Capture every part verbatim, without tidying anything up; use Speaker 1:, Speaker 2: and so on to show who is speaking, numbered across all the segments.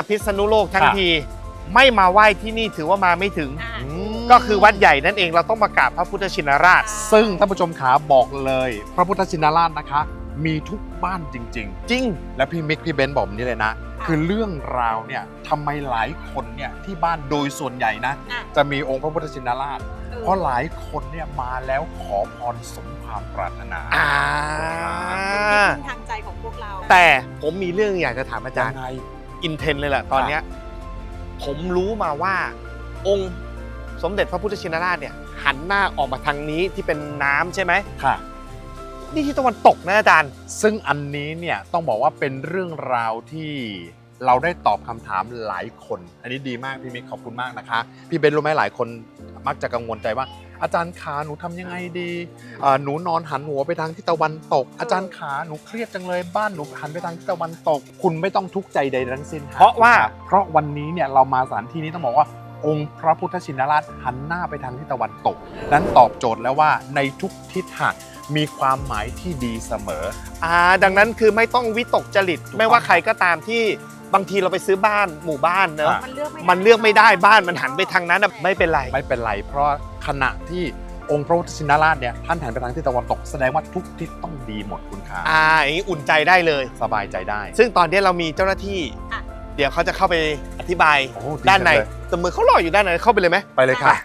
Speaker 1: พิษณุโลกทั้งทีไม่มาไหว้ที่นี่ถือว่ามาไม่ถึงก็คือวัดใหญ่นั่นเองเราต้องมากราบพระพุทธชินราช
Speaker 2: ซึ่งท่านผู้ชมขาบอกเลยพระพุทธชินราชนะคะมีทุกบ้านจริงๆจริงและพี่มิกพี่เบนซ์บอกแบบนี้เลยนะคือเรื่องราวเนี่ยทำไมหลายคนเนี่ยที่บ้านโดยส่วนใหญ่นะจะมีองค์พระพุทธชินราชเพราะหลายคนเนี่ยมาแล้วขอพรสมความปรารถนา
Speaker 1: อ่า
Speaker 3: เป็นทางใจของพวกเรา
Speaker 1: แต่ผมมีเรื่องอยากจะถามอาจารย์
Speaker 2: ไง
Speaker 1: อินเทนเลยแหละตอนเนี้ยผมรู้มาว่าองค์สมเด็จพระพุทธชินราชเนี่ยหันหน้าออกมาทางนี้ที่เป็นน้ำใช่ไหม
Speaker 2: ค่ะ
Speaker 1: นี่ที่ตะวันตกนะอาจารย์
Speaker 2: ซึ่งอันนี้เนี่ยต้องบอกว่าเป็นเรื่องราวที่เราได้ตอบคำถามหลายคนอันนี้ดีมากพี่มิกขอบคุณมากนะคะพี่เบนรู้ไหมหลายคนมักจะกังวลใจว่าอาจารย์ขาหนูทำยังไงดีหนูนอนหันหัวไปทางทิศตะวันตกอาจารย์ขาหนูเครียดจังเลยบ้านหนูหันไปทางทิศตะวันตกคุณไม่ต้องทุกข์ใจใดทั้งสิ้น
Speaker 1: เพราะว่า
Speaker 2: เพราะวันนี้เนี่ยเรามาสถานที่นี้ต้องบอกว่าองค์พระพุทธชินราชหันหน้าไปทางทิศตะวันตกนั้นตอบโจทย์แล้วว่าในทุกทิศทางมีความหมายที่ดีเสมอ
Speaker 1: อ่าดังนั้นคือไม่ต้องวิตกจริตไม่ว่าใครก็ตามที่บางทีเราไปซื้อบ้านหมู่บ้านเนอะมันเลือกไม่ได้บ้านมันหันไปทางนั้นไม่เป็นไร
Speaker 2: ไม่เป็นไรเพราะขณะที่องค์พระพุทธชินราชเนี่ยท่านหันไปทางทิศตะวันตกแสดงว่าทุกทิศต้องดีหมดคุณขา
Speaker 1: อ่าอย่างนี้อุ่นใจได้เลย
Speaker 2: สบายใจได้
Speaker 1: ซึ่งตอนนี้เรามีเจ้าหน้าที่เดี๋ยวเขาจะเข้าไปอธิบายด้านในแต่มือเขารออยู่ด้านในเข้าไปเลยไหม
Speaker 2: ไปเลยค่ะ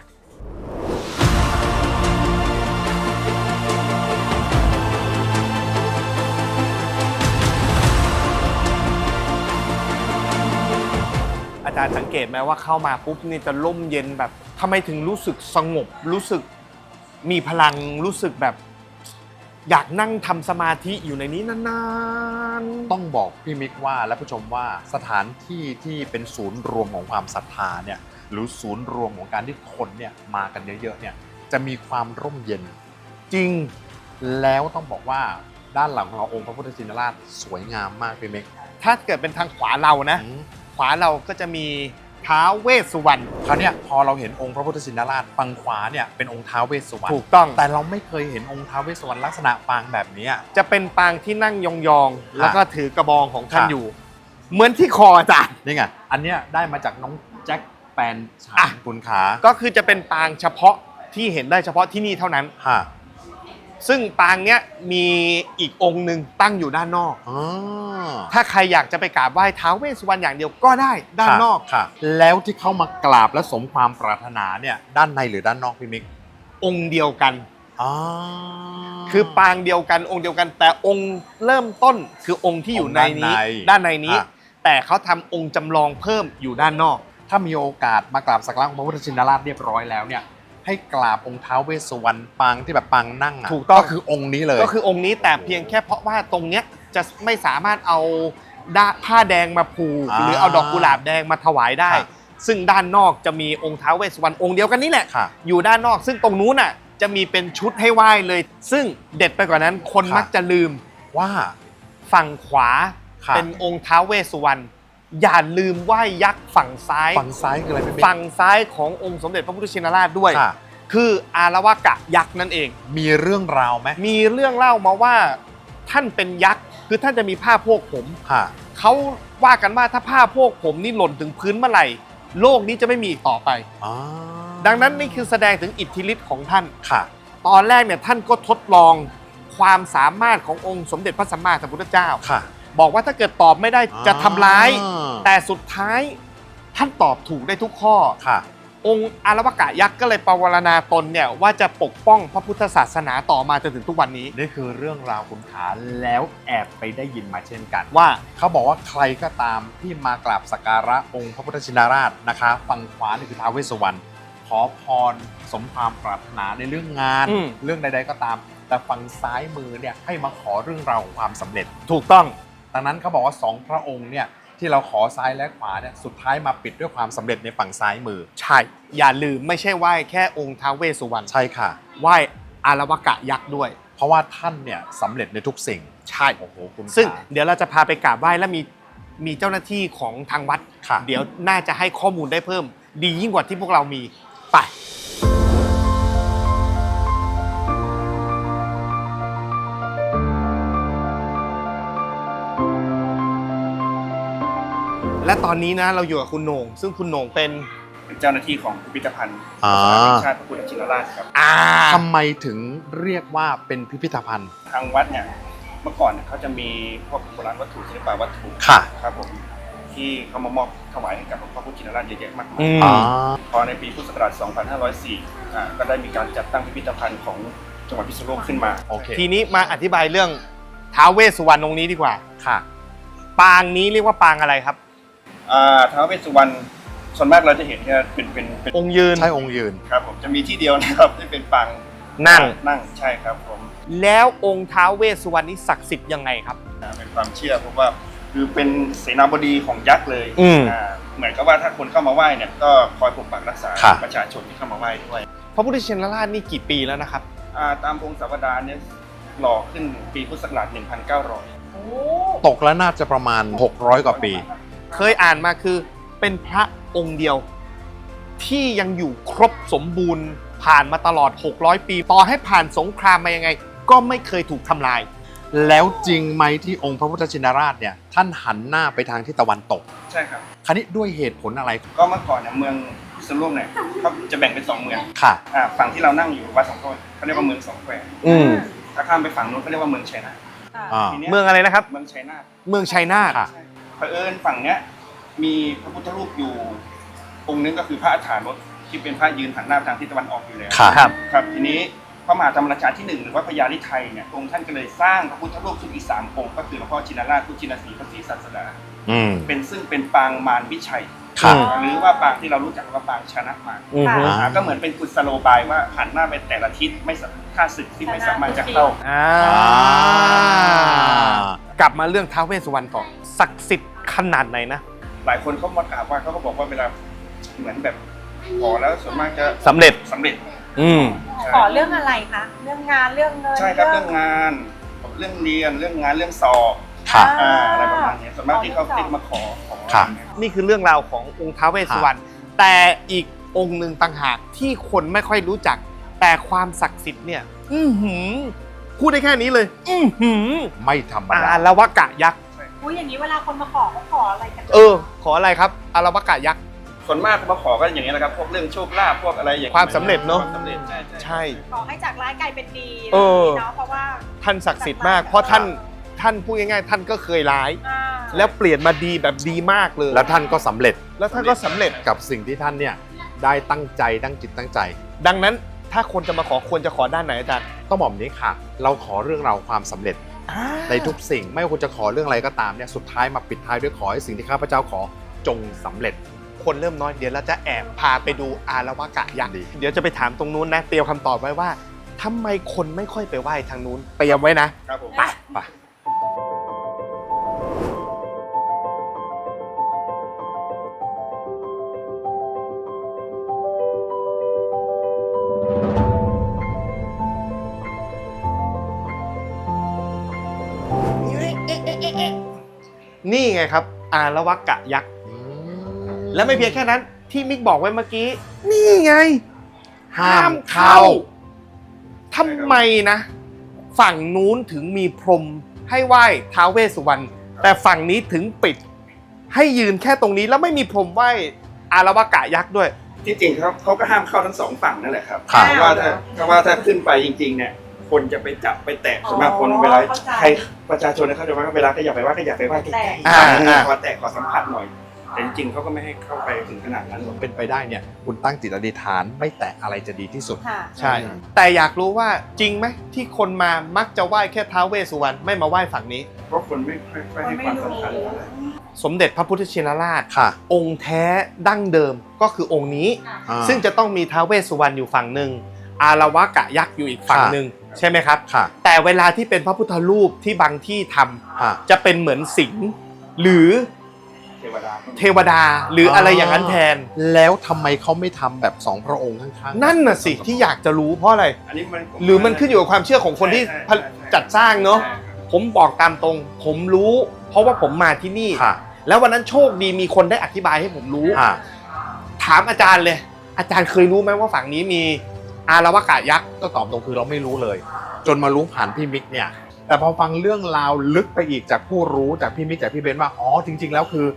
Speaker 1: อาจารย์สังเกตไหมว่าเข้ามาปุ๊บนี่จะร่มเย็นแบบทำไมถึงรู้สึกสงบรู้สึกมีพลังรู้สึกแบบอยากนั่งทำสมาธิอยู่ในนี้นาน
Speaker 2: ๆต้องบอกพี่มิกว่าและผู้ชมว่าสถานที่ที่เป็นศูนย์รวมของความศรัทธาเนี่ยหรือศูนย์รวมของการที่คนเนี่ยมากันเยอะๆเนี่ยจะมีความร่มเย็น
Speaker 1: จริง
Speaker 2: แล้วต้องบอกว่าด้านหลังของเราองค์พระพุทธชินราชสวยงามมากพี่มิก
Speaker 1: ถ้าเกิดเป็นทางขวาเรานะขวาเราก็จะมีท้าวเวสสุวรรณ
Speaker 2: คราวนี้พอเราเห็นองค์พระพุทธชินราชฝั่งขวาเนี่ยเป็นองค์ท้าวเวสสุวรรณ
Speaker 1: ถูกต้อง
Speaker 2: แต่เราไม่เคยเห็นองค์ท้าวเวสสุวรรณลักษณะปางแบบนี้
Speaker 1: จะเป็นปางที่นั่งยองๆแล้วก็ถือกระบองของท่านอยู่เหมือนที่คออาจารย์
Speaker 2: นี่ไงอันเนี้ยได้มาจากน้องแจ็คแปนฉานคุณขา
Speaker 1: ก็คือจะเป็นปางเฉพาะที่เห็นได้เฉพาะที่นี่เท่านั้นซึ่งปางเนี้ยมีอีกองค์หนึ่งตั้งอยู่ด้านนอกถ้าใครอยากจะไปกราบไหว้ท้าวเวสสุวรรณอย่างเดียวก็ได้ด้านนอก
Speaker 2: ค่ะแล้วที่เข้ามากราบและสมความปรารถนาเนี่ยด้านในหรือด้านนอกพี่มิก
Speaker 1: องค์เดียวกันคือปางเดียวกันองค์เดียวกันแต่องค์เริ่มต้นคือองค์ที่อยู่ในนี้ด้านในนี้แต่เขาทำองค์จำลองเพิ่มอยู่ด้านนอก
Speaker 2: ถ้ามีโอกาสมากราบสักการะพระพุทธชินราชเรียบร้อยแล้วเนี่ยให้กราบองค์ท้าวเวสสุวรรณปางที่แบบปางนั่งอ่ะ
Speaker 1: ถูกต้อง
Speaker 2: ก็คือองค์นี้เลย
Speaker 1: ก็คือองค์นี้แต่เพียงแค่เพราะว่าตรงเนี้ยจะไม่สามารถเอาผ้าแดงมาผูกหรือเอาดอกกุหลาบแดงมาถวายได้ซึ่งด้านนอกจะมีองค์ท้าวเวสสุวรรณองค์เดียวกันนี่แหละอยู่ด้านนอกซึ่งตรงนู้นน่ะจะมีเป็นชุดให้ไหว้เลยซึ่งเด็ดไปกว่านั้นคนมักจะลืม
Speaker 2: ว่า
Speaker 1: ฝั่งขวาเป็นองค์ท้าวเวสสุวรรณอย่าลืมไหว้ยักษ์ฝั่งซ้าย
Speaker 2: ฝั่งซ้ายคืออะไรเป็น
Speaker 1: ฝั่งซ้ายขององค์สมเด็จพระพุทธชินราชด้วยคืออารวากะยักษ์นั่นเอง
Speaker 2: มีเรื่องราวไหม
Speaker 1: มีเรื่องเล่ามาว่าท่านเป็นยักษ์คือท่านจะมีผ้าโพกผมเขาว่ากันว่าถ้าผ้าโพกผมนี่หล่นถึงพื้นเมื่อไหร่โลกนี้จะไม่มีอีกต่อไปดังนั้นนี่คือแสดงถึงอิทธิฤทธิ์ของท่านตอนแรกเนี่ยท่านก็ทดลองความสามารถขององค์สมเด็จพระสัมมาสัมพุทธเจ้าบอกว่าถ้าเกิดตอบไม่ได้จะทำร้ายแต่สุดท้ายท่านตอบถูกได้ทุกข้อองค์อารวากะยักษ์ก็เลยปวารณาตนเนี่ยว่าจะปกป้องพระพุทธศาสนาต่อมาจนถึงทุกวันนี้
Speaker 2: นี่คือเรื่องราวคุณขาแล้วแอบไปได้ยินมาเช่นกัน
Speaker 1: ว่า
Speaker 2: เขาบอกว่าใครก็ตามที่มากราบสักการะองค์พระพุทธชินราชนะคะฝั่งขวานี่คือท้าวเวสสุวรรณขอพรสมความปรารถนาในเรื่องงานเรื่องใดๆก็ตามแต่ฝั่งซ้ายมือเนี่ยให้มาขอเรื่องราวของความสำเร็จ
Speaker 1: ถูกต้อง
Speaker 2: ดังนั้นเขาบอกว่าสองพระองค์เนี่ยที่เราขอซ้ายและขวาเนี่ยสุดท้ายมาปิดด้วยความสำเร็จในฝั่งซ้ายมือ
Speaker 1: ใช่อย่าลืมไม่ใช่ไหว้แค่องค์ท้าวเวสสุวรรณ
Speaker 2: ใช่ค่ะ
Speaker 1: ไหว้อารวากะยักษ์ด้วย
Speaker 2: เพราะว่าท่านเนี่ยสำเร็จในทุกสิ่ง
Speaker 1: ใช่
Speaker 2: โอ้โหคุณ
Speaker 1: ซึ่งเดี๋ยวเราจะพาไปกราบไหว้และมีมีเจ้าหน้าที่ของทางวัดเดี๋ยวน่าจะให้ข้อมูลได้เพิ่มดียิ่งกว่าที่พวกเรามีไปแและตอนนี้นะเราอยู่กับคุณโหน่งซึ่งคุณโหน่งเป็น
Speaker 4: เป็นเจ้าหน้าที่ของพิพิธภัณฑ์
Speaker 2: อ่า
Speaker 4: สถานแห่งชาติพระพุทธชินราชครับ
Speaker 1: อ่า
Speaker 2: ทำไมถึงเรียกว่าเป็นพิพิธภัณฑ์
Speaker 4: ทางวัดเนี่ยเมื่อก่อนเนี่ยเขาจะมีพวกโบราณวัตถุศิลปวัตถุ
Speaker 2: ค่ะ
Speaker 4: ครับผมที่เขามามอบถวายให้กับพระพุทธชินราชเยอะแยะมากมาย
Speaker 1: อืม
Speaker 2: อ๋อ
Speaker 4: พอในปีพุทธศักราช สองพันห้าร้อยสี่ อ่าก็ได้มีการจัดตั้งพิพิธภัณฑ์ของจังหวัดพิษณุโลกขึ้นมา
Speaker 2: โอเค
Speaker 1: ทีนี้มาอธิบายเรื่องท้าวเวสสุวรรณองค์นี้ดีกว่า
Speaker 2: ค่ะ
Speaker 1: ปางนี้เรียกว่าปางอะไรครับ
Speaker 4: อ่าท้าวเวสสุวรรณส่วนมากเราจะเห็นเนี่ยเป็นเป็นเป็น
Speaker 1: องค์ยืน
Speaker 2: ใช่องค์ยืน
Speaker 4: ครับผมจะมีที่เดียวนะครับที่เป็นปาง
Speaker 1: นั่ง
Speaker 4: นั่งใช่ครับผม
Speaker 1: แล้วองค์ท้าวเวสสุวรรณนี้ศักดิ์สิทธิ์ยังไงครับ
Speaker 4: อ่าเป็นความเชื่อเพราะว่าคือเป็นเสนาบดีของยักษ์เลย
Speaker 1: อืม
Speaker 4: อ่าเหมือนกับว่าถ้าคนเข้ามาไหว้เนี่ยก็คอยปกปักรักษา
Speaker 2: ครับ
Speaker 4: ประชาชนที่เข้ามาไหว้ด้วย
Speaker 1: พระพุทธชินราชนี่กี่ปีแล้วนะครับ
Speaker 4: อ่าตามองค์สาวดารเนี่ยหล่อขึ้นปีพุทธศักราช หนึ่งพันเก้าร้อย
Speaker 2: ตกแล้วน่าจะประมาณหกร้อยกว่าปี
Speaker 1: เคยอ่านมาคือเป็นพระองค์เดียว ที่ยังอยู่ครบสมบูรณ์ผ่านมาตลอดหกร้อยปี ต่อให้ผ่านสงครามมายังไง ก็ไม่เคยถูกทำลาย
Speaker 2: แล้วจริงไหมที่องค์พระพุทธชินราชเนี่ยท่านหันหน้าไปทางทิศตะวันตก
Speaker 4: ใช่ครับ
Speaker 2: คราวนี้ด้วยเหตุผลอะไร
Speaker 4: ก็เมื่อก่อนเนี่ยเมืองพิษณุโลกเนี่ยเขาจะแบ่งเป็นสองเมือง
Speaker 2: ค่ะ
Speaker 4: อ่าฝั่งที่เรานั่งอยู่วัดสองแควเขาเรียกว่าเมืองสองแคว
Speaker 1: อืม
Speaker 4: ถ้าข้ามไปฝั่งนู้นเขาเรียกว่าเมืองชัยนาท
Speaker 2: อ่า
Speaker 4: ทีนี้ย
Speaker 1: เมืองอะไรนะครับ
Speaker 4: เมืองชัยนาท
Speaker 1: เมืองชัยนาท
Speaker 2: ค่ะ
Speaker 4: ใช่เผอิญฝั่งเนี้ยมีพระพุทธรูปอยู่องค์นึงก็คือพระอัฏฐานถที่เป็นพระยืนหันหน้าไปทางทิศตะวันออกอยู่แล้ว
Speaker 2: ค่ะ
Speaker 1: ครับ
Speaker 4: ครับทีนี้พระมหาธรรมราชาที่หนึ่งหรือว่าพญาลิไทยเนี่ยองค์ท่านก็เลยสร้างพระพุทธรูปขึ้นอีกสามองค์ก็คือหลวงพ่อชินราชพุทธชินสีห์พระศรีศาสดา
Speaker 2: อืม
Speaker 4: เป็นซึ่งเป็นปางมารวิชัย
Speaker 2: ค่ะ
Speaker 4: หรือว่าปางที่เรารู้จักว่าปางชนะมาร
Speaker 1: อืมฮึ
Speaker 2: อ่า
Speaker 4: อ่าก็เหมือนเป็นกุศโลบายว่าหันหน้าไปแต่ละทิศไม่สามข้าศึกที่ไม่สามารถจะเข้า
Speaker 1: อ่า กลับมาเรื่องท้าวเวสสุวรรณต่อศักดิ์สิทธิ์ขนาดไหนนะ
Speaker 4: หลายคนเขามากราบไหว้เขาก็บอกว่าเวลาเหมือนแบบขอแล้วส่วนมากจะ
Speaker 1: สำเร็จ
Speaker 4: สำเร็จ
Speaker 1: อืม
Speaker 3: ขอเรื่องอะไรคะ เรื่องงาน เรื่องเงิน
Speaker 4: ใช่ครับเรื่องงานเรื่องเรียนเรื่องงานเรื่องสอบ
Speaker 2: ค่ะ
Speaker 4: อ่าอะไรประมาณนี้ส่วนมากที่เขาติดมาขอขอ
Speaker 2: ค่ะ
Speaker 4: อะไรเงี้ย
Speaker 1: นี่คือเรื่องราวขององค์ท้าวเวสสุวรรณแต่อีกองค์หนึ่งต่างหากที่คนไม่ค่อยรู้จัก แต่ความศักดิ์สิทธิ์เนี่ย อือหือพูดได้แค่นี้เลย อือหือ
Speaker 2: ไม่ธรรม
Speaker 1: อา
Speaker 2: ดา
Speaker 1: รวกะยักษ์
Speaker 3: อุ้ยอย่างนี้เวลาคนมาขอเขาขออะไรกัน
Speaker 1: เออ ขออะไรครับอารวกะยักษ์
Speaker 4: ส่วนมากเขามาขอก็อย่างนี้ยแหละครับพวกเรื่องโชคลาภพวกอะไรอย่างงี้ย
Speaker 1: ความสำเร็จเนอะ
Speaker 4: ความสำเร็จใช่ใช่
Speaker 1: ใช่
Speaker 3: ขอให้จากร้ายกลายเป็นดี
Speaker 1: เออ
Speaker 3: เนาะเพราะว่า
Speaker 1: ท่านศักดิ์สิทธิ์มาก เพราะท่านท่านพูดง่ายๆ ท่านก็เคยร้าย
Speaker 3: อ่า
Speaker 1: แล้วเปลี่ยนมาดีแบบดีมากเลย
Speaker 2: แล้วท่านก็สำเร็จ
Speaker 1: แล้วท่านก็สำเร็จ
Speaker 2: กับสิ่งที่ท่านเนี่ยได้ตั้งใจตั้งจิตตั้งใจ
Speaker 1: ดังนั้นถ้าคนจะมาขอควรจะขอด้านไหนอาจารย์
Speaker 2: ต้องบอกแบบนี้ค่ะ เราขอเรื่องราวความสำเร็จในทุกสิ่ง ไม่ว่าคุณจะขอเรื่องอะไรก็ตามเนี่ยสุดท้ายมาปิดท้ายด้วยขอให้สิ่งที่ข้าพเจ้าขอจงสำเร็จ
Speaker 1: คนเริ่มน้อยเดี๋ยวเราจะแอบพาไปดูอารวกะยักษ์
Speaker 2: ดี
Speaker 1: เดี๋ยวจะไปถามตรงนู้นนะเตรียมคำตอบไว้ว่าทำไมคนไม่ค่อยไปไหว้ทางนู้นเตรียมไว้นะ
Speaker 4: ครับผม
Speaker 1: ไป
Speaker 2: ไป
Speaker 1: นี่ไงครับ อารวกะยักษ์ และไม่เพียงแค่นั้นที่มิกบอกไว้เมื่อกี้ นี่ไง ห้ามเข้าทำไมนะ ฝั่งนู้นถึงมีพรมให้ไหว้ท้าวเวสสุวรรณแต่ฝั่งนี้ถึงปิด ให้ยืนแค่ตรงนี้แล้วไม่มีพรมไหว้อารวกะยักษ์ด้วย
Speaker 4: ที่จริงเขาเขาก็ห้ามเข้าทั้งสองฝั่งนั่นแหละครับ
Speaker 2: ครับ
Speaker 4: เพราะว่าถ้าเพราะว่าถ้าขึ้นไปจริงๆเนี่ยคนจะไปจับไปแตะส่วนมากคนเวลาใครประชาชนเนี่ยเขาจะว่าเวลาก็อยากไปไหว่าก็อยากไปไหว้ใกล้ๆ
Speaker 1: อ่าอ่า
Speaker 4: ขอแตะขอสัมผัสหน่อยแต่จริงๆเขาก็ไม่ให้เข้าไปถึงขนาดนั้นหรอก
Speaker 2: เป็นไปได้เนี่ยคุณตั้งจิตอธิษฐานไม่แตะอะไรจะดีที่สุด
Speaker 3: ค่ะ
Speaker 1: ใช่ แต่อยากรู้ว่าจริงไหมที่คนมามักจะไหว้แค่ท้าวเวสสุวรรณไม่มาไหว้ฝั่งนี้
Speaker 4: เพราะคนไม่ค่อยให้ความสำคัญอะไร
Speaker 1: สมเด็จพระพุทธชินราช
Speaker 2: ค่ะ
Speaker 1: องค์แท้ดั้งเดิมก็คือองค์นี้
Speaker 2: อ่า
Speaker 1: ซึ่งจะต้องมีท้าวเวสสุวรรณอยู่ฝั่งหนึ่งอารวกะยักษ์อยู่อีกฝั่งหนึ่งใช่ไหมครับ
Speaker 2: ค่ะ
Speaker 1: แต่เวลาที่เป็นพระพุทธรูปที่บางที่ทำ
Speaker 2: อ่า
Speaker 1: จะเป็นเหมือนสิงห์หรือ
Speaker 4: เทวดา
Speaker 1: เทวดาหรืออะไรอย่างนั้นแทน
Speaker 2: แล้วทำไมเขาไม่ทำแบบสองพระองค์ข้างๆ
Speaker 1: นั่นน่ะสิที่อยากจะรู้เพราะอะไร
Speaker 4: อันนี้มัน
Speaker 1: หรือมันขึ้นอยู่กับความเชื่อของคนที่
Speaker 4: ใช่ใช่ใช่
Speaker 1: จัดสร้างเนาะ
Speaker 4: ใช่ครับ
Speaker 1: ผมบอกตามตรง ผมรู้ เพราะว่าผมมาที่นี่
Speaker 2: ค่ะ
Speaker 1: แล้ววันนั้นโชคดีมีคนได้อธิบายให้ผมรู้
Speaker 2: อ่า
Speaker 1: ถามอาจารย์เลย อาจารย์เคยรู้ไหมว่าฝั่งนี้มีอารวกะยักษ์
Speaker 2: ก็ตอบตรงคือเราไม่รู้เลย จนมารู้ผ่านพี่มิกเนี่ย แต่พอฟังเรื่องราวลึกไปอีกจากผู้รู้จากพี่มิกจากพี่เบนซ์ว่าอ๋อจริง ๆ แล้วคือ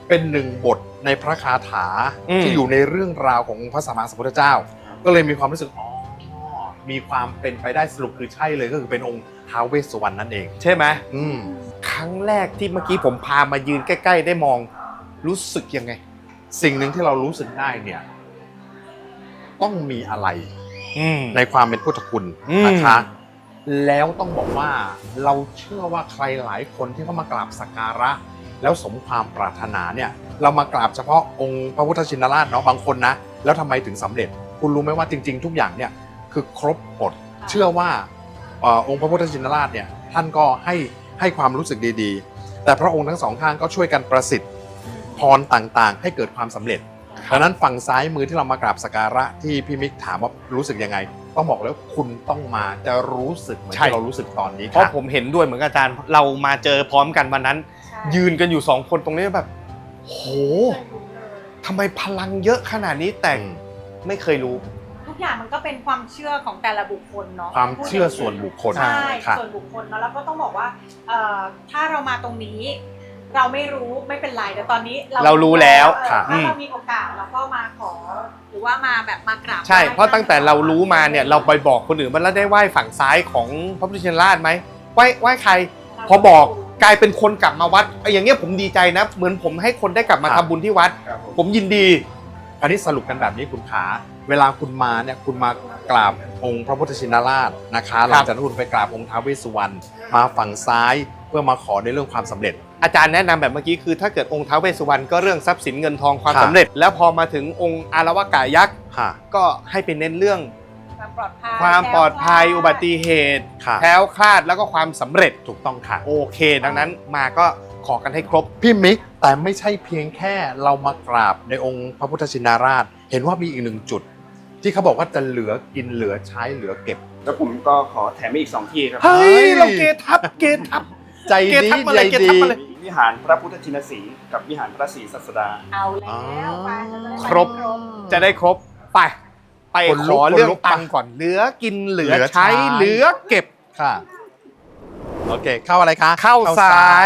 Speaker 2: เป็นหนึ่งบทในพระคาถา
Speaker 1: อืม
Speaker 2: ที่อยู่ในเรื่องราวของพระสัมมาสัมพุทธเจ้า ก็เลยมีความรู้สึกอ๋อมีความเป็นไปได้สรุปคือใช่เลยก็คือเป็นองค์ท้าวเวสสุวรรณนั่นเอง
Speaker 1: ใช่ไหม
Speaker 2: อืม
Speaker 1: ครั้งแรกที่เมื่อกี้ผมพามายืนใกล้ๆได้มองรู้สึกยังไง
Speaker 2: สิ่งหนึ่งที่เรารู้สึกได้เนี่ยต้องมีอะไร
Speaker 1: อืม
Speaker 2: ในความเป็นพุทธคุณ
Speaker 1: อืม
Speaker 2: นะคะ แล้วต้องบอกว่าเราเชื่อว่าใครหลายคนที่เขามากราบสักการะ แล้วสมความปรารถนาเนี่ยเรามากราบเฉพาะองค์พระพุทธชินราชเนาะบางคนนะแล้วทำไมถึงสำเร็จ คุณรู้ไหมว่าจริง ๆ ทุกอย่างเนี่ยคือครบหมดเชื่อว่าเอ่อองค์พระพุทธชินราชเนี่ยท่านก็ให้ให้ความรู้สึกดีๆ แต่พระองค์ทั้งสองข้างก็ช่วยกันประสิทธิ์พรต่างๆ ให้เกิดความสำเร็จดังนั้นฝั่งซ้ายมือที่เรามากราบสักการะที่พี่มิกถามว่ารู้สึกยังไง ต้องบอกแล้วคุณต้องมาจะรู้สึกเหมือน
Speaker 1: ใช่
Speaker 2: ที่เรารู้สึกตอนนี้
Speaker 1: เพราะ
Speaker 2: ค่ะ
Speaker 1: ผมเห็นด้วยเหมือนกับอาจารย์ เรามาเจอพร้อมกันวันนั้น
Speaker 3: ใช่
Speaker 1: ยืนกันอยู่สองคนตรงนี้แบบโหทำไมพลังเยอะขนาดนี้แต่
Speaker 2: อืม
Speaker 1: ไม่เคยรู้
Speaker 3: ทุกอย่างมันก็เป็นความเชื่อของแต่ละบุคคลเนาะ
Speaker 2: ความเชื่อส่วนบุคคล
Speaker 3: ใช่
Speaker 2: ค่ะ
Speaker 3: ส่วนบุคคลเนาะแล้วก็ต้องบอกว่าเอ่อถ้าเรามาตรงนี้ เราไม่รู้ไม่เป็นไรแต่ตอนนี้
Speaker 1: เรารู้แล้ว
Speaker 3: เออ
Speaker 2: ค่ะ
Speaker 3: ถ้าเรามีโอกาสเราก็มาขอ หรือว่ามาแบบมากราบ
Speaker 1: ใช่
Speaker 3: ไหว้
Speaker 1: เพราะตั้งแต่เรารู้มาเนี่ยเราไปบอกคนอื่นว่าเราได้ไหว้ฝั่งซ้ายของพระพุทธชินราชไหมไหว้ไหว้ใคร พอบอกกลายเป็นคนกลับมาวัดไอ้อย่างเงี้ยผมดีใจนะ เหมือนผมให้คนได้กลับมา
Speaker 2: ครั
Speaker 1: ทำ
Speaker 2: บ
Speaker 1: บุญที่วัด
Speaker 4: ครับผม
Speaker 1: ผมยินดี
Speaker 2: อันนี้สรุปกันแบบนี้คุณขาเวลาคุณมาเนี่ยคุณมากราบองค์พระพุทธชินราชนะคะหลังจากนั้นคุณไปกราบองค์ท้าวเวสสุวรรณมาฝั่งซ้ายเพื่อมาขอในเรื่องความสำเร็จ
Speaker 1: อาจารย์แนะนำแบบเมื่อกี้คือถ้าเกิดองค์ท้าวเวสสุวรรณก็เรื่องทรัพย์สินเงินทองความ
Speaker 2: ครับ
Speaker 1: สำเร็จ แล้วพอมาถึงองค์อารวากายักษ์
Speaker 2: ค่ะ
Speaker 1: ก็ให้เป็นเน้นเรื่อง
Speaker 3: ความปลอดภัย
Speaker 1: ความปลอดภัย
Speaker 3: แคล้วคลาด
Speaker 1: อุบัติเหตุ
Speaker 2: ค่ะ
Speaker 1: แคล้วคลาดแล้วก็ความสำเร็จ
Speaker 2: ถูกต้องค่ะ
Speaker 1: โอเค ดังนั้นมาก็ขอกันให้ครบ
Speaker 2: พี่มิกแต่ไม่ใช่เพียงแค่เรามากราบในองค์พระพุทธชินราช เห็นว่ามีอีกหนึ่งจุด ที่เขาบอกว่าจะเหลือกินเหลือใช้เหลือเก็บ
Speaker 4: แล้วผมก็ขอแถมอีกสองที่ครับ
Speaker 1: เฮ้
Speaker 2: เฮ้
Speaker 1: ย
Speaker 2: ย
Speaker 1: เราเกทับเกทับ
Speaker 2: ใจ
Speaker 1: เก
Speaker 2: ดี
Speaker 1: ทับมา
Speaker 2: ใจ
Speaker 1: เลยเกทั
Speaker 2: ดี
Speaker 1: บมาเลย
Speaker 4: วิหารพระพุทธชินสีห์กับวิหารพระศรีศัสดา
Speaker 3: เอาแล้วไปจะได้
Speaker 1: ครบ จะได้ครบไปไป
Speaker 2: คน
Speaker 1: ข
Speaker 2: ลุก
Speaker 1: อเรื่อง
Speaker 2: คนลุก
Speaker 1: ตังค์ก่อนเหลือกินเหลือ
Speaker 2: เหลือ
Speaker 1: ใช้
Speaker 2: ใช้
Speaker 1: เหลือเก็บ
Speaker 2: ค่ะ โอเค เข้าอะไรคะ
Speaker 1: เข้าซ้าย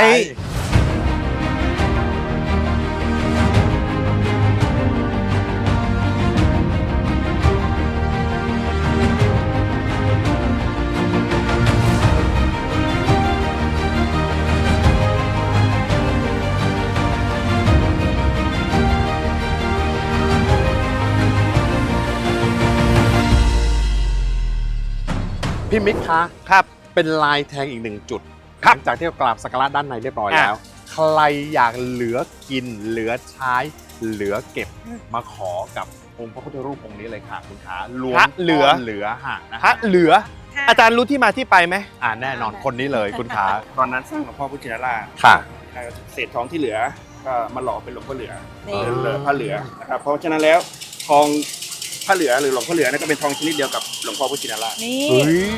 Speaker 2: พี่มิกคะ
Speaker 1: ครับ
Speaker 2: เป็นลายแทงอีกหนึ่งจุด
Speaker 1: ครับ
Speaker 2: หลังจากที่เรากราบสักการะด้านในเรียบร้อย
Speaker 1: อ่ะ
Speaker 2: แล้ว ใครอยากเหลือกิน เหลือใช้ เหลือเก็บมาขอกับองค์พระพุทธรูปองค์นี้เลยค่ะคุณขาล้วน
Speaker 1: พระเหลือ
Speaker 2: เหลือห่างนะ
Speaker 1: พระเหลือ
Speaker 3: ค่ะ
Speaker 1: อาจารย์รู้ที่มาที่ไปไหม
Speaker 2: อ่าแน่นอนคนนี้เลยคุณขา
Speaker 4: ตอนนั้นสร้างหลวงพ่อพุทธชินราช
Speaker 2: ค่ะ
Speaker 4: เศษทองที่เหลือก็มาหล่อเป็นหลวงพ่อเหลือ
Speaker 3: นี่
Speaker 4: เหลือพระเหลือนะครับเพราะฉะนั้นแล้วทองพระเหลือหรือหลวงพ่อเหลือนั่นก็เป็นทองชนิดเดียวกับหลวงพ่อพุทธชินราช
Speaker 3: นี่
Speaker 2: เฮ้ย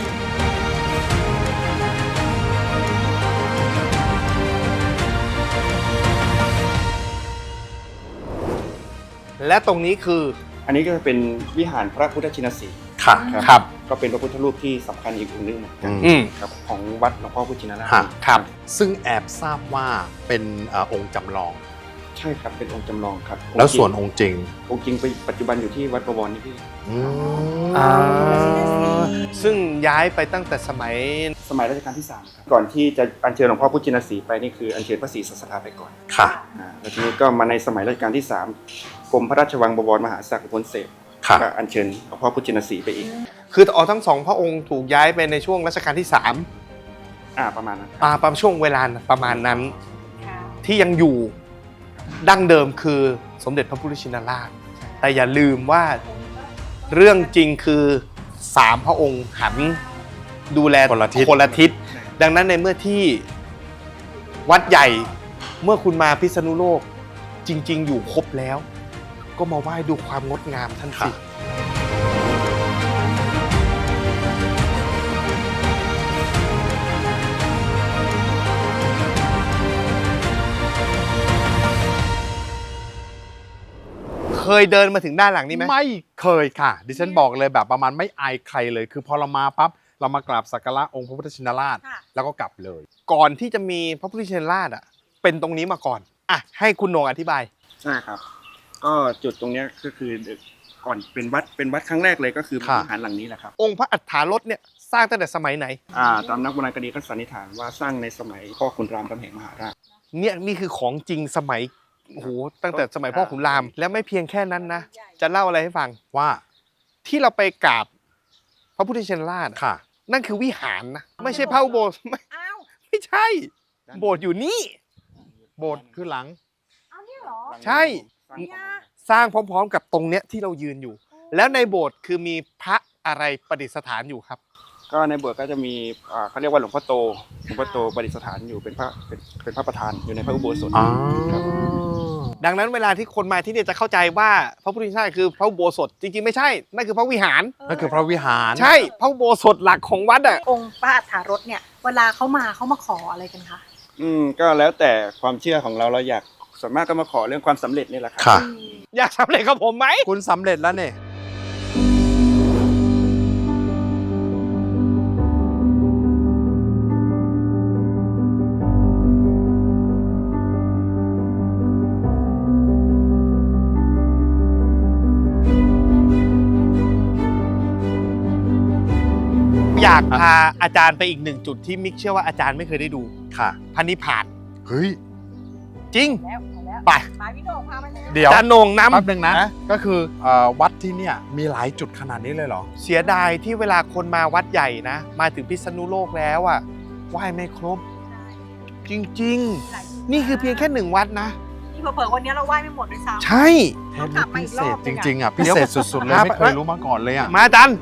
Speaker 1: และตรงนี้คือ
Speaker 4: อันนี้ก็จะเป็นวิหารพระพุทธชินสีห์
Speaker 2: ค่ะ
Speaker 4: ครับ
Speaker 2: ครับ
Speaker 4: ก็เป็นพระพุทธรูปที่สำคัญอีกองค์หนึงเหมือนกัน
Speaker 1: อืม
Speaker 4: ครับของวัดหลวงพ่อพุทธชินราช
Speaker 2: ฮะ
Speaker 1: ครับ
Speaker 2: ซึ่งแอบทราบว่าเป็นเอ่อองค์จำลอง
Speaker 4: ใช่ครับเป็นองค์จำลองครับ
Speaker 2: แล้วส่วน
Speaker 4: องค์
Speaker 2: องค์จริง
Speaker 4: องค์จริงไปปัจจุบันอยู่ที่วัดประวรนี่พี่
Speaker 2: อืม
Speaker 1: อ่าซึ่งย้ายไปตั้งแต่สมัย
Speaker 4: สมัยรัชกาลที่สามครับก่อนที่จะอัญเชิญหลวงพ่อพุทธชินสีห์ไปนี่คืออัญเชิญพระศรีสัสดาไปก่อน
Speaker 2: ค่ะ
Speaker 4: อ่าแล้วทีนี้ก็มาในสมัยรัชกาลที่สามกรมพระราชวังบวรมหาศักดิ์พลเสพ
Speaker 2: ค่ะ
Speaker 4: ก็อัญเชิญหลวงพ่อพุทธชินสีห์ไปอีก
Speaker 1: คืออ๋อทั้งสองพระองค์ถูกย้ายไปในช่วงรัชกาลที่สาม
Speaker 4: อ่าประมาณนั้น
Speaker 1: อ่าประมาณช่วงเวลาประมาณนั้น
Speaker 3: ค่ะ
Speaker 1: ที่ยังอยู่ดั้งเดิมคือสมเด็จพระพุทธชินราช แต่อย่าลืมว่าเรื่องจริงคือสามพระองค์หันดูแล
Speaker 2: คนละทิศ
Speaker 1: คนละทิศ ดังนั้นในเมื่อที่วัดใหญ่เมื่อคุณมาพิษณุโลกจริง ๆ อยู่ครบแล้ว ก็มาไหว้ดูความงดงามท่านสิ เคยเดินมาถึงด้านหลังนี้ไหม
Speaker 2: ไม่เคยค่ะ ดิฉันบอกเลยแบบประมาณไม่อายใครเลย คือพอเรามาปั๊บเรามากราบสักการะองค์พระพุทธชินราช
Speaker 3: ค่ะ
Speaker 2: แล้วก็กลับเลย
Speaker 1: ก่อนที่จะมีพระพุทธชินราชอ่ะเป็นตรงนี้มาก่อนอ่ะให้คุณโหน่งอธิบาย
Speaker 4: ใช่ครับ ก็จุดตรงเนี้ยก็คือก่อนเป็นวัดเป็นวัดครั้งแรกเลยก็คือ
Speaker 2: ค่ะ
Speaker 4: วิหารหลังนี้แหละครับ
Speaker 1: องค์พระอัฏฐารถเนี่ยสร้างตั้งแต่สมัยไหน
Speaker 4: อ่าตามนักโบราณคดีก็สันนิษฐานว่าสร้างในสมัยพ่อขุนรามคำแหงมหาราช
Speaker 1: เนี่ยนี่คือของจริงสมัยโอ้โหตั้งแต่สมัยพ่อขุนราม แล้วไม่เพียงแค่นั้นนะ จะเล่าอะไรให้ฟัง
Speaker 2: ว่า
Speaker 1: ที่เราไปกราบพระพุทธชินราชอะ
Speaker 2: ค่ะ
Speaker 1: นั่นคือวิหารนะไม่ใช่พระอุโบสถไม่
Speaker 3: อ้าว
Speaker 1: ไม่ใช่ โบสถ์อยู่นี่
Speaker 2: โบสถ์คือหลัง
Speaker 3: เอาเนี่ยเหรอ
Speaker 1: ใช่ สร้างพร้อมๆ กับตรงเนี้ยที่เรายืนอยู่ แล้วในโบสถ์คือมีพระอะไรประดิษฐานอยู่ครับ
Speaker 4: ก็ในโบสถ์ก็จะมีอ่าเขาเรียกว่าหลวงพ่อโตหลวงพ่อโตประดิษฐานอยู่เป็นพระเป็นเป็นพระประธานอยู่ในพระอุโบสถ
Speaker 2: อ๋อ
Speaker 1: ดังนั้นเวลาที่คนมาที่นี่จะเข้าใจว่าพระพุทธชินราชคือพระอุโบสถจริงๆไม่ใช่นั่นคือพระวิหาร
Speaker 2: นั่นคือพระวิหาร
Speaker 1: ใช่พระอุโบสถหลักของวัดอ่ะ
Speaker 3: องค์พระอัฏฐารถเนี่ย เวลาเขามาเขามาขออะไรกันคะ
Speaker 4: อืมก็แล้วแต่ความเชื่อของเราเราอยากส่วนมากก็มาขอเรื่องความสำเร็จนี่แหละครั
Speaker 2: ค่ะ
Speaker 1: อยากสำเร็จกับผมไหม
Speaker 2: คุณสำเร็จแล้วเนี่ย
Speaker 1: อยากพาอาจารย์ไปอีกหนึ่งจุดที่มิกเชื่อว่าอาจารย์ไม่เคยได้ดู
Speaker 2: ค่ะ
Speaker 1: พระนิพพาน
Speaker 2: เฮ้ย
Speaker 1: จริง
Speaker 3: แล้วแล้ว
Speaker 1: ไป
Speaker 3: มาพี่โด่งพาไปเลย
Speaker 2: เดี๋ยว
Speaker 1: อาจารย์โหน่งนำ
Speaker 2: แป๊บนึงนะ
Speaker 1: นะ
Speaker 2: ก็คือเอ่อวัดที่เนี่ยมีหลายจุดขนาดนี้เลยเหรอ
Speaker 1: เสียดายที่เวลาคนมาวัดใหญ่นะ มาถึงพิษณุโลกแล้วอ่ะไหว้ไม่ครบ จริง ๆ นี่คือเพียงแค่หนึ่งวัดนะ
Speaker 3: นี่เผลอๆวันนี้เราไหว้ไม่หมดด้วยซ้ำ
Speaker 1: ใช่
Speaker 2: เท
Speaker 3: ต้อ
Speaker 2: ป
Speaker 3: งกลั
Speaker 2: นี้
Speaker 3: บมา
Speaker 2: พิ
Speaker 3: อีก
Speaker 2: เศ
Speaker 3: รอ
Speaker 2: ษ
Speaker 3: บ
Speaker 2: จ
Speaker 3: นึงอะ
Speaker 2: ริงๆอ่ะพิเศษสุดๆเลย
Speaker 1: ครับ
Speaker 2: ไม่เคยรู้มาก่อนเลยอ่ะ
Speaker 1: มาอาจารย์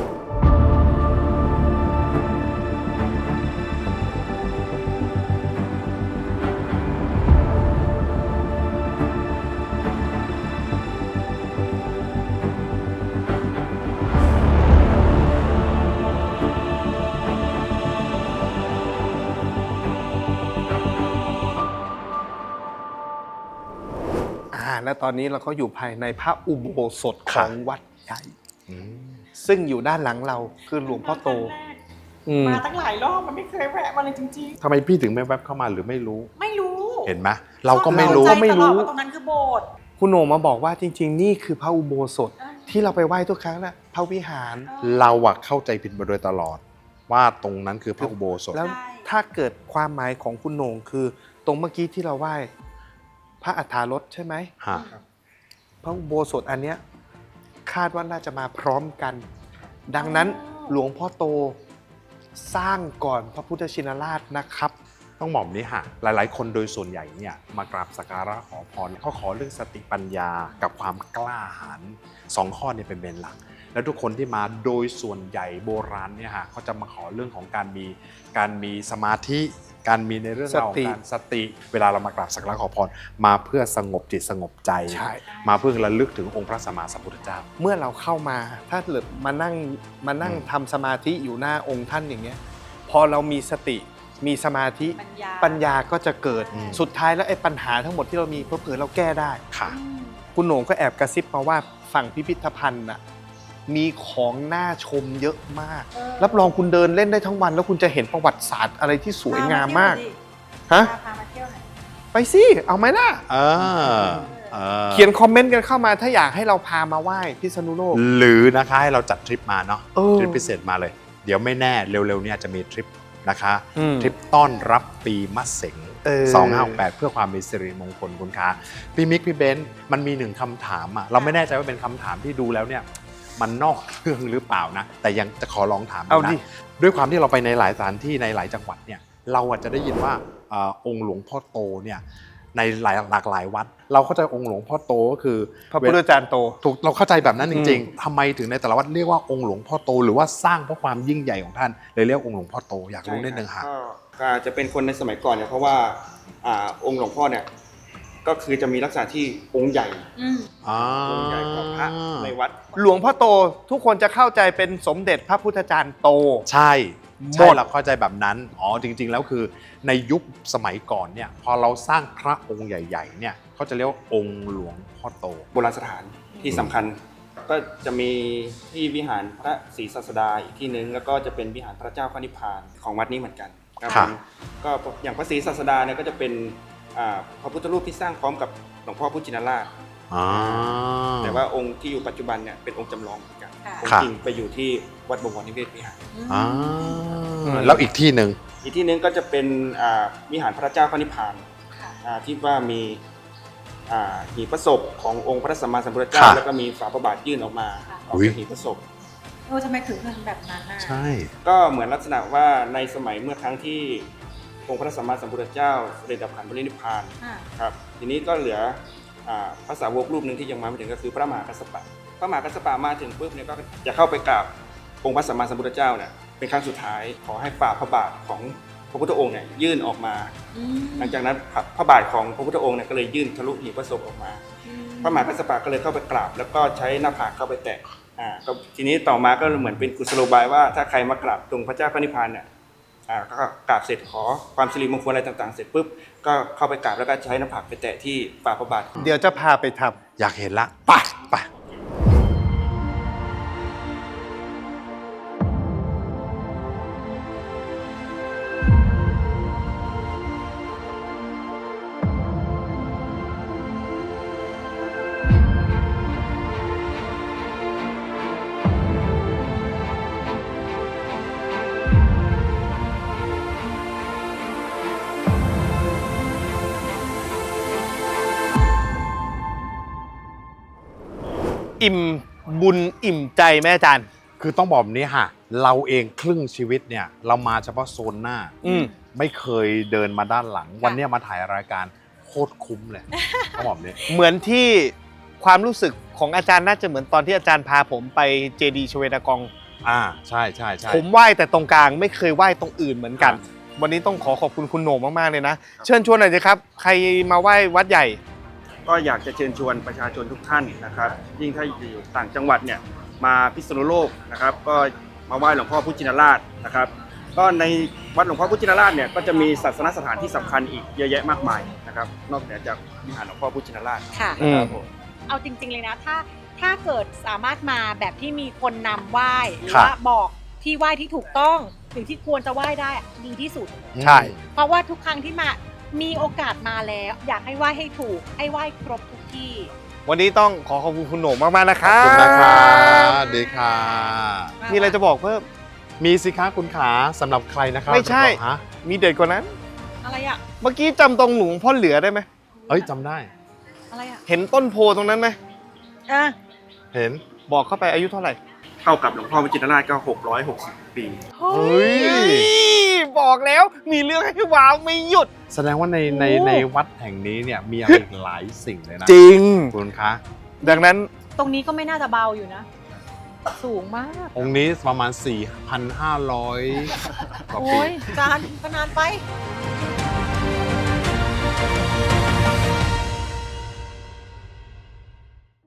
Speaker 1: อ่าและตอนนี้เราก็อยู่ภายในพระอุโบสถของวัดใหญ่
Speaker 2: อืม
Speaker 1: ซึ่งอยู่ด้านหลังเราคือหลวงพ่อโตอืม
Speaker 3: มาตั้งหลายรอบมันไม่เคยแวะมาเลยจริง
Speaker 2: ทำไมพี่ถึงไม่แวบเข้ามาหรือไม่รู้
Speaker 3: ๆ ไม่รู้
Speaker 2: เห็นไหมเราก็ไม่รู้
Speaker 3: เข้าใจ
Speaker 1: ไม่รู้
Speaker 3: ตลอดว่าตรงนั้นคือโบสถ์
Speaker 1: คุณโหน่งมาบอกว่าจริง ๆ นี่คือพระอุโบสถที่เราไปไหว้ทุกครั้งนะพระวิหาร
Speaker 2: เราอะเข้าใจผิดมาโดยตลอด ว่าตรงนั้นคือพระอุโบสถ
Speaker 1: แล้วถ้าเกิดความหมายของคุณโหน่งคือ ตรงเมื่อกี้ที่เราไหว้พระอัฏฐารถใช่ไหม
Speaker 2: ฮะ
Speaker 1: พระอุโบสถอันเนี้ยคาดว่าน่าจะมาพร้อมกัน ดังนั้นหลวงพ่อโตสร้างก่อนพระพุทธชินราชนะครับ
Speaker 2: ต้องบอกแบบนี้ฮะหลายๆ คนโดยส่วนใหญ่เนี่ยมากราบสักการะขอพรเขาขอเรื่องสติปัญญากับความกล้าหาญสองข้อเนี่ยเป็นเบนหลัก แล้วทุกคนที่มาโดยส่วนใหญ่โบราณเนี่ยฮะเขาจะมาขอเรื่องของการมีการมีสมาธิการมีในเรื่องราวของการสติ เวลาเรามากราบสักการะขอพรมาเพื่อสงบจิตสงบใจ
Speaker 1: ใช่
Speaker 2: มาเพื่อระลึกถึงองค์พระสัมมาสัมพุทธเจ้า
Speaker 1: เมื่อเราเข้ามาถ้าเกิดมานั่งมานั่ง
Speaker 2: อืม
Speaker 1: ทำสมาธิอยู่หน้าองค์ท่านอย่างเงี้ยพอเรามีสติมีสมาธิ
Speaker 3: ปัญญา
Speaker 1: ปัญญาก็จะเกิด
Speaker 2: อืม
Speaker 1: สุดท้ายแล้วไอ้ปัญหาทั้งหมดที่เรามีเผื่อๆเราแก้ได้
Speaker 2: ค่ะ
Speaker 3: อืม
Speaker 1: คุณโหน่งก็แอบกระซิบมาว่าฝั่งพิพิธภัณฑ์น่ะมีของน่าชมเยอะมาก
Speaker 3: เออ
Speaker 1: รับรองคุณเดินเล่นได้ทั้งวัน แล้วคุณจะเห็นประวัติศาสตร์อะไรที่สวยงามมาก ฮะ
Speaker 3: พาพามาเที่ยวหน่อย
Speaker 1: ไปสิ เอาไหมล่ะ
Speaker 2: เออเออ
Speaker 1: เขียนคอมเมนต์กันเข้ามาถ้าอยากให้เราพามาไหว้พิษณุโลก
Speaker 2: หรือนะคะให้เราจัดทริปมาเนาะ
Speaker 1: เออ
Speaker 2: ทริปพิเศษมาเลย เดี๋ยวไม่แน่เร็วๆเนี่ยจะมีทริปนะคะ
Speaker 1: อืม
Speaker 2: ทริปต้อนรับปีมะเสง
Speaker 1: เออ
Speaker 2: สองห้าหกแปดเพื่อความมีสิริมงคลคุณค้าพี่มิกพี่เบนซ์มันมีหนึ่งคำถามอ่ะเราไม่แน่ใจว่าเป็นคำถามที่ดูแล้วเนี่ยมันนอกเรื่องหรือเปล่านะ แต่ยังจะขอลองถาม
Speaker 1: เอา
Speaker 2: ดู
Speaker 1: ดิ
Speaker 2: นะด้วยความที่เราไปในหลายสถานที่ในหลายจังหวัดเนี่ยเราอาจจะได้ยินว่าอาองค์หลวงพ่อโตเนี่ยในหลายหลากหลายวัด เราเข้าใจองค์หลวงพ่อโตก็คือ
Speaker 1: พระพุทธจารย์โต
Speaker 2: ถูกเราเข้าใจแบบนั้นจริง
Speaker 1: อืม
Speaker 2: ๆทำไมถึงในแต่ละวัดเรียกว่าองค์หลวงพ่อโต หรือว่าสร้างเพราะความยิ่งใหญ่ของท่านเลยเรียกองค์หลวงพ่อโตอยากรู้นิดนึงค่ะ
Speaker 4: ก็ก็อาจจะเป็นคนในสมัยก่อนเนี่ยเพราะว่าอ่าองค์หลวงพ่อเนี่ยก็คือจะมีลักษณะที่องค์ใหญ่
Speaker 3: อืม
Speaker 4: องค์ใหญ่กว่าพระในวัด
Speaker 1: หลวงพ่อโตทุกคนจะเข้าใจเป็นสมเด็จพระพุทธจารย์โต
Speaker 2: ใช่
Speaker 1: หม
Speaker 2: ใช่
Speaker 1: ด
Speaker 2: เราเข้าใจแบบนั้นอ๋อจริง ๆ แล้วคือในยุคสมัยก่อนเนี่ยพอเราสร้างพระองค์ใหญ่ๆเนี่ยเขาจะเรียกว่าองค์หลวงพ่อโต
Speaker 4: โบราณสถานที่สำคัญ ก็จะมีที่วิหารพระศรีศาสดาอีกที่นึงแล้วก็จะเป็นวิหารพระเจ้าพระนิพพานของวัดนี้เหมือนกันครับ
Speaker 2: ค่ะ
Speaker 4: ผมก็อย่างพระศรีศาสดาเนี่ยก็จะเป็นอ่าพระพุทธรูปที่สร้างพร้อมกับหลวงพ่อพุทธชินราช
Speaker 2: อ่า
Speaker 4: แต่ว่าองค์ที่อยู่ปัจจุบันเนี่ยเป็นองค์จำลองเหมือนกัน
Speaker 3: ค่ะ
Speaker 4: อง
Speaker 2: ครั
Speaker 4: ค์
Speaker 2: บ
Speaker 4: จริงไปอยู่ที่วัดบวรนิเวศวิหาร
Speaker 2: อ่าแล้วอีกที่หนึ่ง
Speaker 4: อีกที่หนึงก็จะเป็นอ่าวิหารพระเจ้าพระนิพพาน
Speaker 3: ค่ะ
Speaker 4: อ่าที่ว่ามีอ่าหีบพระศพขององค์พระสัมมาสัมพุทธเจ้า
Speaker 2: ค่ะ
Speaker 4: แล้วก็มีฝาพระบาทยื่นออกมา
Speaker 3: ค่ะ
Speaker 4: ออกจากหีบพระศพ
Speaker 3: โอ้ทำไมถึงเป็นแบบนั้นน่ะ
Speaker 2: ใช่
Speaker 4: ก็เหมือนลักษณะว่าในสมัยเมื่อครั้งที่องค์พระสัมมาสัมพุทธเจ้าเสด็จดับขันธ์ปรินิพพาน
Speaker 3: ค่ะ
Speaker 4: ครับทีนี้ก็เหลืออ่าพระสาวกรูปหนึ่งที่ยังมาไม่ถึงก็คือพระมหากัสสปะพระมหากัสสปะมาถึงปุ๊บเนี่ยก็จะเข้าไปกราบองค์พระสัมมาสัมพุทธเจ้าเนี่ยเป็นครั้งสุดท้ายขอให้ฝ่าพระบาทของพระพุทธองค์เนี่ยยื่นออกมา
Speaker 3: อืม
Speaker 4: หลังจากนั้นพระพระบาทของพระพุทธองค์เนี่ยก็เลยยื่นทะลุหีบพระศพออกมา
Speaker 3: อืม
Speaker 4: พระมหากัสสปะก็เลยเข้าไปกราบ แล้วก็ใช้หน้าผากเข้าไปแตะอ่าก็ทีนี้ต่อมาก็เหมือนเป็นกุศโลบายว่าถ้าใครมากราบตรงพระเจ้าพระนิพพานเนี่ยอ่าก็กราบเสร็จขอความสิริมงคลอะไรต่างๆ เสร็จปุ๊บก็เข้าไปกราบแล้วก็ใช้หน้าผากไปแตะที่ฝ่าพระบาท
Speaker 1: เดี๋ยวจะพาไปทำ
Speaker 2: อยากเห็นละไปไป
Speaker 1: อิ่มบุญอิ่มใจแม่อาจารย์
Speaker 2: คือต้องบอกแบบนี้ค่ะ เราเองครึ่งชีวิตเนี่ย เรามาเฉพาะโซนหน้า
Speaker 1: อืม
Speaker 2: ไม่เคยเดินมาด้านหลัง วันเนี้ยมาถ่ายรายการโคตรคุ้มเลยต้องบอกแบบนี้
Speaker 1: เหมือนที่ความรู้สึกของอาจารย์น่าจะเหมือนตอนที่อาจารย์พาผมไปเจดีย์ชเวดากอง
Speaker 2: อ่าใช่ใช่ใช่
Speaker 1: ผมไหว้แต่ตรงกลางไม่เคยไหว้ตรงอื่นเหมือนกัน วันนี้ต้องขอขอบคุณคุณโหน่งมากๆเลยนะ เชิญชวนหน่อยสิครับ ใครมาไหว้วัดใหญ่
Speaker 4: ก็อยากจะเชิญชวนประชาชนทุกท่านนะครับ ยิ่งถ้าอยู่ต่างจังหวัดเนี่ยมาพิษณุโลกนะครับ ก็มาไหว้หลวงพ่อพุทธชินราชนะครับ ก็ในวัดหลวงพ่อพุทธชินราชเนี่ยก็จะมีศาสนสถานที่สำคัญอีกเยอะแยะมากมายนะครับ นอกเหนือจากวิหารหลวงพ่อพุทธชินราช
Speaker 3: ค่ะ
Speaker 1: อืม
Speaker 4: นะครับผม
Speaker 3: เอาจริงๆเลยนะ ถ้าถ้าเกิดสามารถมาแบบที่มีคนนำไหว้หรือ
Speaker 2: ครับ
Speaker 3: ว่าบอกที่ไหว้ที่ถูกต้องหรือที่ควรจะไหว้ได้อะดีที่สุด
Speaker 1: ใช่
Speaker 3: เพราะว่าทุกครั้งที่มามีโอกาสมาแล้ว อยากให้ไหว้ให้ถูก ให้ไหว้ครบทุกที่
Speaker 1: วันนี้ต้องขอขอบคุณคุณโหน่งมากๆนะค
Speaker 2: ข
Speaker 1: รั
Speaker 2: อ
Speaker 1: บบ
Speaker 2: คุณนะครับดีค่ะ
Speaker 1: มีอะไรจะบอกเพิ่ม
Speaker 2: มีสิคะคุณขาสำหรับใครนะครับ
Speaker 1: ไม่ใช่
Speaker 2: ฮะ
Speaker 1: มีเด็ดกว่านั้น
Speaker 3: อะไรอ่ะ
Speaker 1: เมื่อกี้จำตรงหลวงพ่อเหลือได้ไหม
Speaker 2: เอ้ยจำได้
Speaker 3: อะไรอ่ะ
Speaker 1: เห็นต้นโพตรงนั้นไหม
Speaker 3: อ่ะ
Speaker 2: เห็น
Speaker 1: บอกเข้าไปอายุเท่าไหร่
Speaker 4: เท่ากับหลวงพ่อพุทธชินราชก็หกร้อยหกสิบปี
Speaker 3: เฮ้
Speaker 2: เฮ้
Speaker 3: ย
Speaker 2: ย
Speaker 1: บอกแล้วมีเรื่องให้ว้าวไม่หยุด
Speaker 2: แสดงว่าในใน
Speaker 3: โอ้
Speaker 2: ในวัดแห่งนี้เนี่ยมีอะไรอีกหลายสิ่งเลยนะ
Speaker 1: จริง
Speaker 2: คุณคะ
Speaker 1: ดังนั้น
Speaker 3: ตรงนี้ก็ไม่น่าจะเบาอยู่นะ สูงมาก
Speaker 2: องค์นี้ประมาณ สี่พันห้าร้อย กว่าปี
Speaker 3: โอ้ยจานก็นานไป
Speaker 2: อ